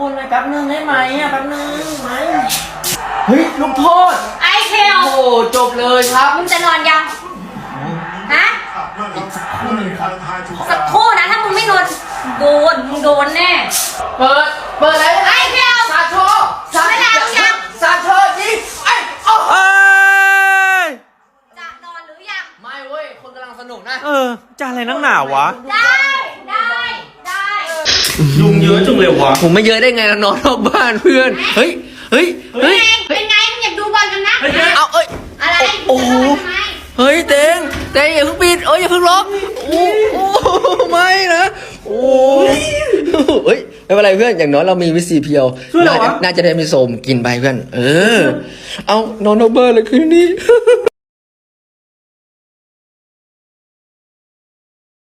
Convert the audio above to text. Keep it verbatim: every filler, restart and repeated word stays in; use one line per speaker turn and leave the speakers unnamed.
คนหน่อยแป๊บนึงได้ไหมอ่ะแป๊บนึงไหมเฮ้ยลูกโทษ
ไอ้เคล
โอ้จบเลยครับ
มึงจะนอนยังฮะสักครู่นะถ้ามึงไม่นอนโดนมึงโดนแน่
เปิดเปิดอะไร
ไอ้เคล
ซาโชซาโชยังซาโชยิงไอ้โอ้ย
จะนอนหรือยัง
ไม่เว้ยคนกำลังสนุกนะ
เออจะอะไรนักหนาวะ
ได้ได้ได้
ยุงเยอะจังเลยวะ
ผมไม่เยอะได้ไงเรานอนนอกบ้านเพื่อนเฮ้ยเฮ้ยเฮ้ย
เป็นไงมึงอยากดูบอลกันนะ
เอาเอ้ย
อะไร
โอ้โหเฮ้ยเต็งเต็งอย่าเพิ่งปิดเอ้ยอย่าเพิ่งล็อกโอ้โอ้ไม่นะโอ้เฮ้ยไม่เป็นไรเพื่อนอย่างน้อยเรามีวิซีเพียวน่าจะได้มีโสมกินไปเพื่อนเออเอานอนนอกบ้านเลยคืนนี้